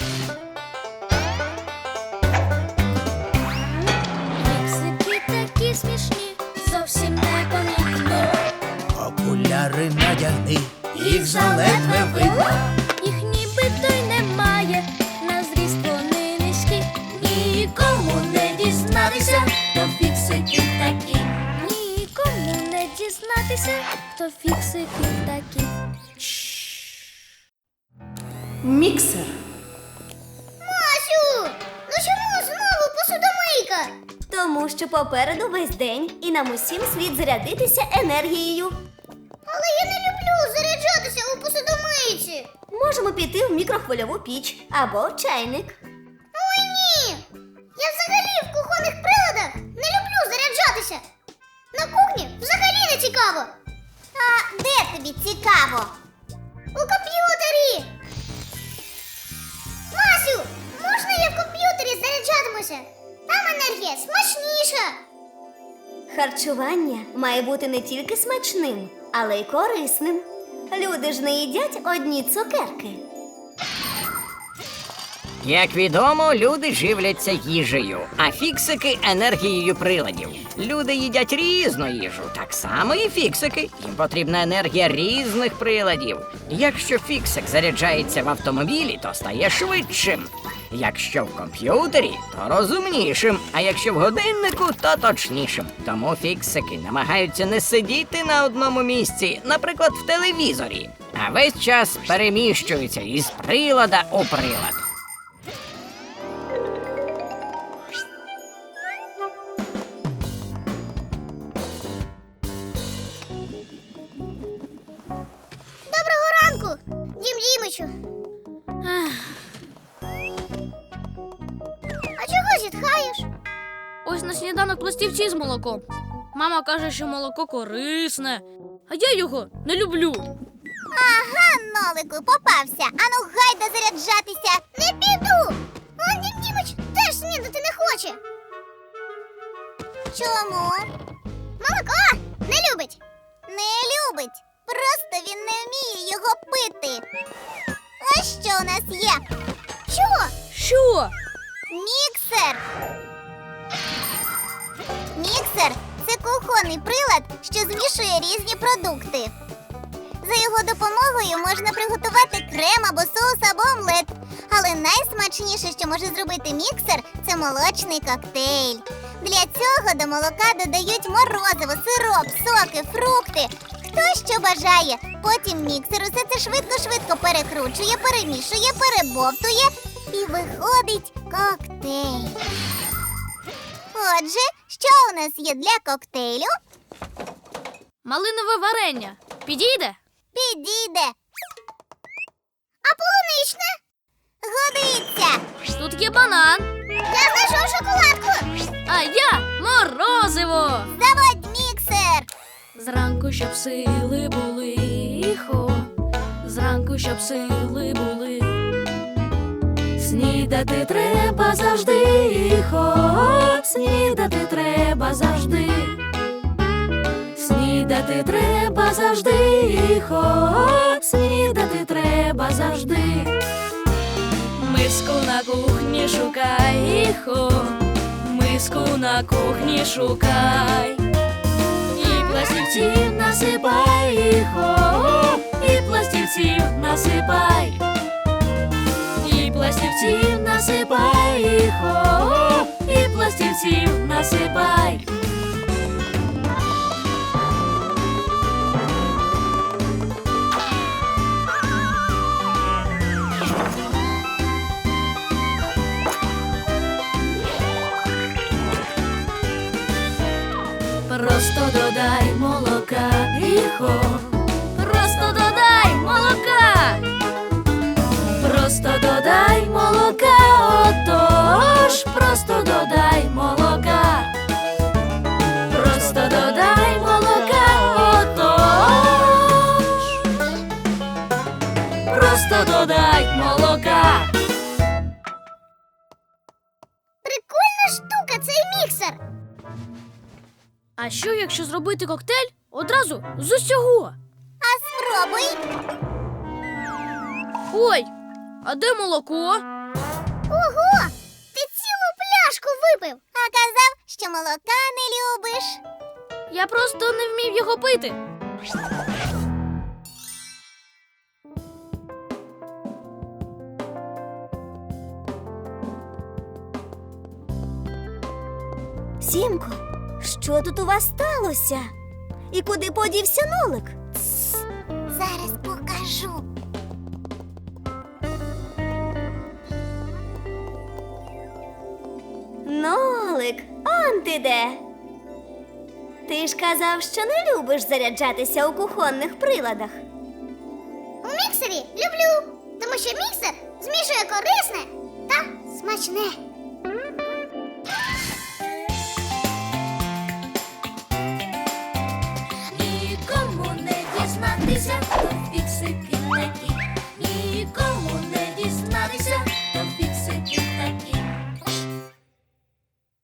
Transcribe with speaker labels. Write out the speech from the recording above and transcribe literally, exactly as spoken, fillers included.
Speaker 1: Фіксики такі смішні, зовсім непомітно.
Speaker 2: Окуляри надягни, їх заледве видно.
Speaker 1: Їх нібито й немає, на зріст вони низькі. Нікому не дізнатися, хто фіксики такі. Нікому не дізнатися, хто фіксики такі.
Speaker 3: Міксер.
Speaker 4: Масю! Ну чому знову посудомийка?
Speaker 5: Тому що попереду весь день і нам усім слід зарядитися енергією.
Speaker 4: Але я не люблю заряджатися у посудомийці.
Speaker 5: Можемо піти в мікрохвильову піч або чайник.
Speaker 4: Ой, ні! Я взагалі в кухонних приладах не люблю заряджатися. На кухні взагалі не цікаво. А де тобі цікаво? У комп'ютері. Масю, можна я в комп'ютері заряджатимуся? Там енергія смачніша.
Speaker 5: Харчування має бути не тільки смачним, але й корисним. Люди ж не їдять одні цукерки.
Speaker 6: Як відомо, люди живляться їжею, а фіксики – енергією приладів. Люди їдять різну їжу, так само і фіксики. Їм потрібна енергія різних приладів. Якщо фіксик заряджається в автомобілі, то стає швидшим. Якщо в комп'ютері, то розумнішим, а якщо в годиннику, то точнішим. Тому фіксики намагаються не сидіти на одному місці, наприклад, в телевізорі, а весь час переміщуються із прилада у прилад.
Speaker 4: Доброго ранку, Дім Дімичу. А чого зітхаєш?
Speaker 1: Ось на сніданок пластівці з молоком. Мама каже, що молоко корисне, а я його не люблю.
Speaker 4: Ага, Нолику, попався. Ану, гайда заряджатися. Не піду. Он Дім Дімич теж снідати не хоче. Чому? Молоко не любить. Не любить. Просто він не вміє його пити. А що у нас є? Що?
Speaker 1: Що?
Speaker 4: Міксер. Міксер – це кухонний прилад, що змішує різні продукти. За його допомогою можна приготувати крем або соус або омлет. Але найсмачніше, що може зробити міксер – це молочний коктейль. Для цього до молока додають морозиво, сироп, соки, фрукти. Хто що бажає. Потім міксер усе це швидко-швидко перекручує, перемішує, перебовтує і виходить коктейль. Отже, що у нас є для коктейлю?
Speaker 1: Малинове варення. Підійде?
Speaker 4: Підійде. А полуничне? Годиться.
Speaker 1: Тут є банан,
Speaker 4: Я знайшов шоколадку.
Speaker 1: а я морозиво.
Speaker 4: Заводь міксер.
Speaker 1: Зранку, щоб сили були, хо, зранку, щоб сили були. Снідати треба завжди, хо, снідати треба завжди. Снідати треба завжди, хо, снідати треба завжди. Миску на кухні шукай, хо, миску на кухні шукай. І пластівців насипай, хо, і пластівців насипай. І пластівців насипай, хо, і пластівців насипай. Просто додай молока, іхо, просто додай молока, просто додай молока, отож, просто додай молока, просто додай молока, отож, просто додай молока.
Speaker 4: Прикольна штука цей міксер.
Speaker 1: А що, якщо зробити коктейль одразу з усього?
Speaker 4: А спробуй.
Speaker 1: Ой, а де молоко?
Speaker 4: казав, що молока не любиш.
Speaker 1: Я просто не вмів його пити.
Speaker 5: Сімко, що тут у вас сталося? І куди подівся Нолик?
Speaker 4: Зараз покажу.
Speaker 5: Нолик, он ти де? Ти ж казав, що не любиш заряджатися у кухонних приладах.
Speaker 4: У міксері люблю, тому що міксер змішує корисне та смачне.
Speaker 1: Нікому не дізнатися,